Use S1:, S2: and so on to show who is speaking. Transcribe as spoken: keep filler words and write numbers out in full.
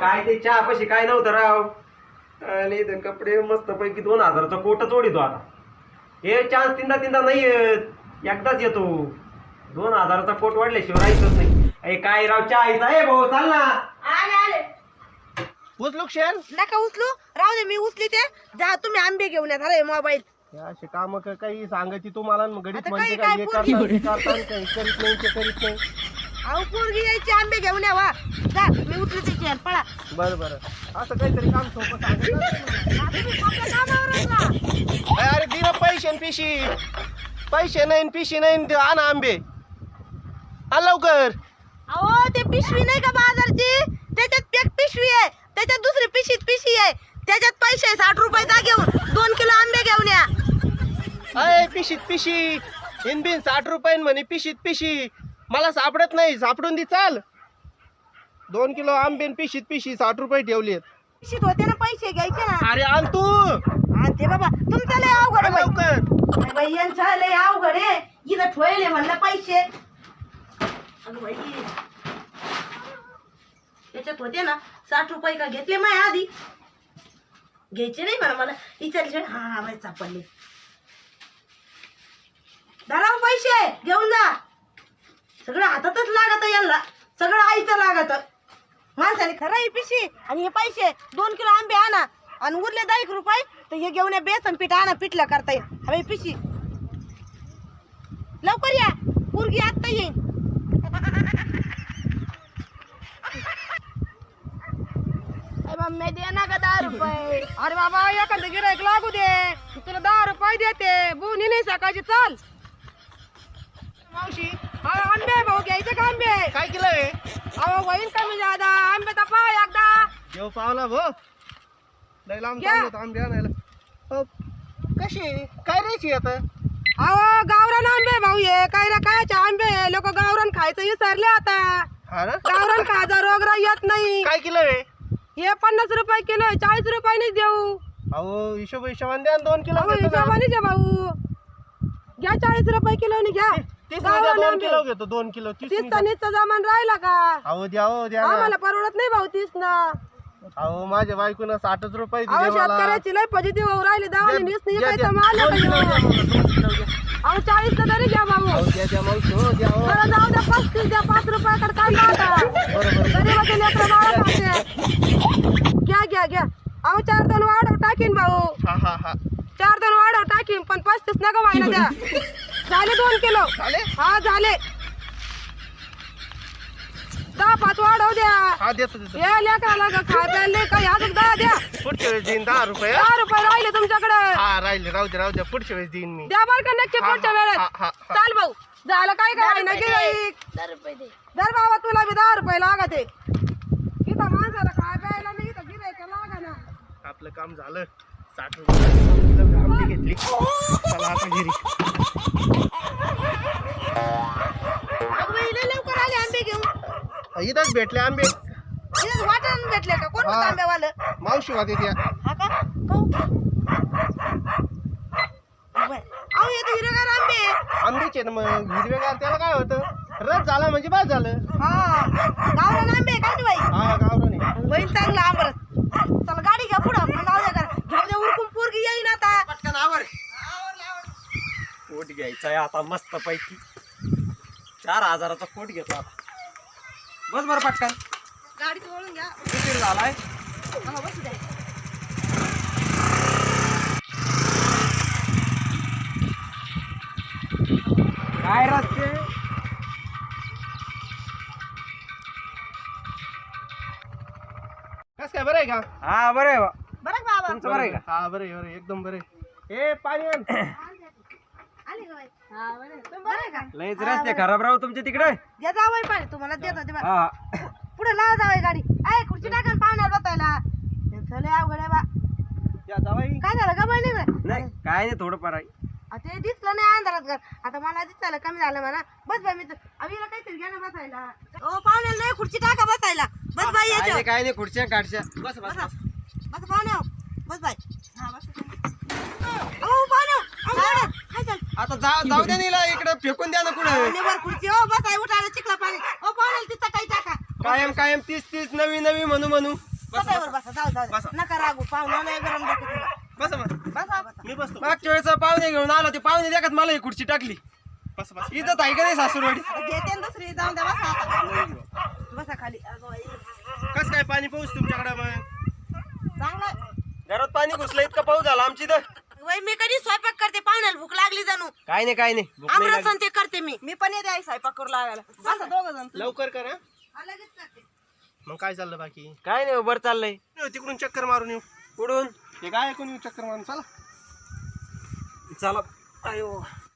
S1: काय ते चहा पशी काय नव्हतं राव. आणि ते कपडे मस्त पैकी दोन हजाराचा कोटच ओढितो आता. हे चान्स तीनदा तीनदा नाही येत, एकदाच येतो. दोन हजाराचा कोट वाढल्याशिवाय राहायचंच नाही. अरे काय राव चहा आईचा आहे भाऊ, चाल ना.
S2: आले आले
S3: उचलू शेर
S2: नका उचलू, राहू दे मी उचली ते. जा तुम्ही आंबे घेऊन या. झाले मोबाईल
S3: असे काम काही सांगायची तुम्हाला मग घडीत
S2: आता
S3: म्हणते
S2: काही
S3: का
S2: काय
S3: हे
S2: पोरगी?
S3: करता करता काही करीत नाही ते करीत नाही.
S2: अहो पोरगी यायची आंबे घेऊन या वा. जा मी उचली त्याची यार, पळा.
S3: बरं बरं असं काहीतरी काम सोपं सांगायचं.
S2: हा, तुम्ही आपल्या कामावरच ना.
S3: अरे दिना पैसे न पिशी, पैसे नाही न पिशी नाही न आण आंबे आण लवकर.
S2: अहो ते पिशवी नाही का बाजारची, त्याच्यात एक पिशवी आहे, त्याच्यात दुसरी पिशीत पिशवी आहे, त्याच्यात पैसे आहे साठ रुपयाचा. घेऊन दोन किलो आंबे घेऊन या.
S3: अय पिशीत पिशी इन बिन साठ रुपये म्हणे पिशीत पिशी. मला सापडत नाही, सापडून दे चाल. दोन किलो आंबे न पिशीत पिशी साठ रुपये ठेवलेत.
S2: पिशीत होते ना पैसे घ्यायचे ना.
S3: अरे आण तू
S2: आणते बाबा, तुमचं लय अवघड
S3: आण
S2: आहे
S3: लवकर.
S2: बाई. बाई यांचं लय अवघड आहे. इथं ठेवले म्हणलं पैसे. अगं बाई त्याच्यात होते ना साठ रुपये का घेतले माय आधी. घ्यायचे नाही म्हणा मला विचारले. हा हा बाई सापडले. धराव पैसे घेऊन जा. सगळं हातातच लागत यांना, सगळं आईचं लागत. माणसाने खरं ही पिशी आणि हे पैसे. दोन किलो आंबे आणा आणि उरले दहा एक रुपये तर हे घेऊन या. बेसन पीठ आणा, पिठलं करता येईल. हवे पिशी लवकर या, पोरगी आत्ता येईल.
S4: मम्मी दे ना का दहा रुपये.
S2: अरे बाबा एखादं गिरायक लागू दे, तुला दहा रुपये देते. बुनी नाही सकाळची. चाल
S3: मावशी
S2: हा, आंबे भाऊ घ्यायचे का आंबे?
S3: काय केलं हे?
S2: अहो होईन कमी जादा. आंबे तपा एकदा.
S3: येऊ पावला भो लय लांब
S2: घ्या.
S3: चाललो आंबे आणायला. अहो, कशी काय राहायची आता?
S2: अहो गावरान आंबे भाऊ ये. काय ना कायचे आंबे लोक गावरान खायचं विसरले आता.
S3: हा ना
S2: गावरान खायचा रोग येत नाही.
S3: काय किलो आहे?
S2: हे पन्नास रुपये किलो आहे, चाळीस रुपये नाही देऊ.
S3: अहो हिशोब हिशोबाने द्या ना, दोन किलो
S2: अहो
S3: घेतो ना.
S2: हिशोबाने द्या भाऊ. घ्या चाळीस रुपये किलो घ्या.
S3: तीस मध्ये
S2: गावरान
S3: दोन
S2: आंबे.
S3: किलो घेतो, दोन किलो तीस
S2: तीस
S3: मध्ये.
S2: नीचा जमान राहिला का?
S3: अहो द्या हो द्या ना.
S2: आम्हाला परवडत नाही भाऊ तीस ना.
S3: अहो माझ्या बायकोनं साठच रुपये
S2: अहो
S3: दिले मला.
S2: शेतकऱ्याची लय पॉझिटिव्ह होऊ राहिली. दावाने वीस नाही
S3: द्या,
S2: काय
S3: द्या.
S2: माल
S3: दोन किलो द्या
S2: अहो
S3: मला, दोन किलो द्या.
S2: चाळीस तरी घ्या भाऊ.
S3: अहो द्या द्या मावशी हो द्या हो.
S2: बरं जाऊ द्या, पस्तीस द्या. पाच रुपयाकडे काय आता
S3: बरोबर
S2: गरीबाचे लेकरं बाळं खाते. घ्या घ्या घ्या. अहो चार दोन वाढव टाकीन भाऊ.
S3: हा हा हा
S2: चार दोन वाढव टाकीन, पण पस्तीस नका व्हायला द्या. झाले दोन किलो.
S3: झाले?
S2: हा झाले. दहा पाच वाढव द्या.
S3: हा देतो देतो.
S2: हे लेकराला का खाय प्यायला काही अजून दहा द्या.
S3: पुढच्या वेळेस देईन दहा रुपये.
S2: दहा रुपये राहिले तुमच्याकडे.
S3: हा राहिले राहू द्या राहू द्या, पुढच्या वेळेस देईन मी.
S2: द्या बरं का नक्की
S3: हा,
S2: पुढच्या
S3: हा,
S2: वेळेस.
S3: हा, हा, हा.
S2: चाल भाऊ. झालं काय काय ना
S4: रुपये
S2: गिऱ्हाईक.
S4: दहा रुपये दे.
S2: दर बाबा तुला बी दहा रुपये लागत आहे. इथं माणसाला खाय प्यायला नाही, इथं गिऱ्हाईक लागा ना.
S3: आपलं काम झालं. साठ रुपये आंबे घेतली. चला आता घरी.
S2: अगं बाई, लय लवकर आले आंबे घेऊन.
S3: इथंच भेटले आंबे.
S2: इथं वाटण भेटले का? कोण
S3: हा.
S2: आंब्यावालं?
S3: मावशी होते त्या.
S2: हा का? काहून? बाई, अहो हे तर हिरवेगार आंबे.
S3: आंबेचे ना मग हिरवेगार, त्याला काय होतं? रस झाला म्हणजे बाद झालं.
S2: हा गावरान आंबे काय बाई.
S3: हा गावरान.
S2: बहीण चांगला आंबरस. चला गाडी घ्या पुढं. पण जाऊ द्या करा. घेऊ द्या उरकून, पोरगी येईन आता.
S1: पटकन आवर. कोट घ्यायचा आहे आता मस्त पैकी. चार हजाराचा कोट घेतो आता. बस बरं पटकन.
S2: गाडीत वळून घ्या.
S1: किती झालाय?
S2: हा, बसू द्या.
S1: काय रस्ते?
S3: कस काय बरं आहे का?
S1: हा बरं आहे बा.
S2: बरं का बाबा?
S1: तुमचं बरं आहे का?
S3: हा बरं आहे, बरं आहे, एकदम बरं आहे. ए पाणी आण.
S2: आले का बाई? हा, बरं आहे. तुम्ही बरं आहे का?
S1: लयच रस्ते खराब राहू तुमचे तिकडे.
S2: घ्या जावई पाणी. तुम्हाला देतो ते बा.
S1: हा
S2: पुढे लावा जावई गाडी. आहे खुर्ची टाका ना पाण्यावर बसायला. ते लय अवघड आहे बा.
S3: या जावाई.
S2: काय झालं का बहिणी?
S1: नाही काय नाही थोडं फार आहे.
S2: ते दिसलं नाही अंधारात घर. आता मला दिसायला कमी झालं म्हणा. बस बाई, मी अभिला काहीतरी घ्या ना बसायला. ओ पाहुण्याला नाही खुर्ची टाका बसायला. बस बाई
S1: काय
S2: याच्या
S1: नाही काय नाही खुर्च्या काढच्या. बस बस
S2: बसा. बस पाहुण्या. बस बाई. हा बस. ओ पाहुण्या. काय झालं?
S1: आता जा जाऊ द्या नीला इकडे फेकून द्या ना कुठे.
S2: निवर खुर्ची. ओ बस आहे उठायला चिखला पाणी. ओ पाहुण्याला तिथं काही टाका.
S1: कायम कायम तीस तीस नवी नवी म्हणू म्हणू
S2: सदैवर बसा जाऊ जाऊ
S3: बसा.
S2: नका रागू पाहुणा लय गरम डोकं तुला
S3: बसा बसा.
S2: बसा बसा
S3: मी बसतो.
S1: मागच्या वेळेस पाहुणे घेऊन आलो ते पाहुणे देखत मला ही खुर्ची टाकली.
S3: बसा बसा.
S1: इथं आहे का नाही सासूरवाडी?
S2: घेते ना दुसरी जाऊन द्या बसा आता बसा खाली अगं बाई.
S3: कस काय पाणी पाऊस तुमच्याकडे मग?
S2: चांगलं
S1: घरात पाणी घुसलं इतका पाऊस झाला आमची तर.
S2: वय मी कधी स्वयंपाक करते पाहुण्याला भूक लागली जाणू
S1: काय नाही काय नाही भूक नाही लागली.
S2: आमरसन ते करते मी मी पण येते आई स्वयंपाक करू लागायला बसा दोघं जण
S3: लवकर कर हं.
S2: लगेच करते
S3: मग काय चाललं बाकी?
S1: काय नाही बरं चाललंय.
S3: तिकडून चक्कर मारून येऊ.
S1: कुठून?
S3: हे काय ऐकून येऊ चक्कर मारून चला.
S1: चला. अयो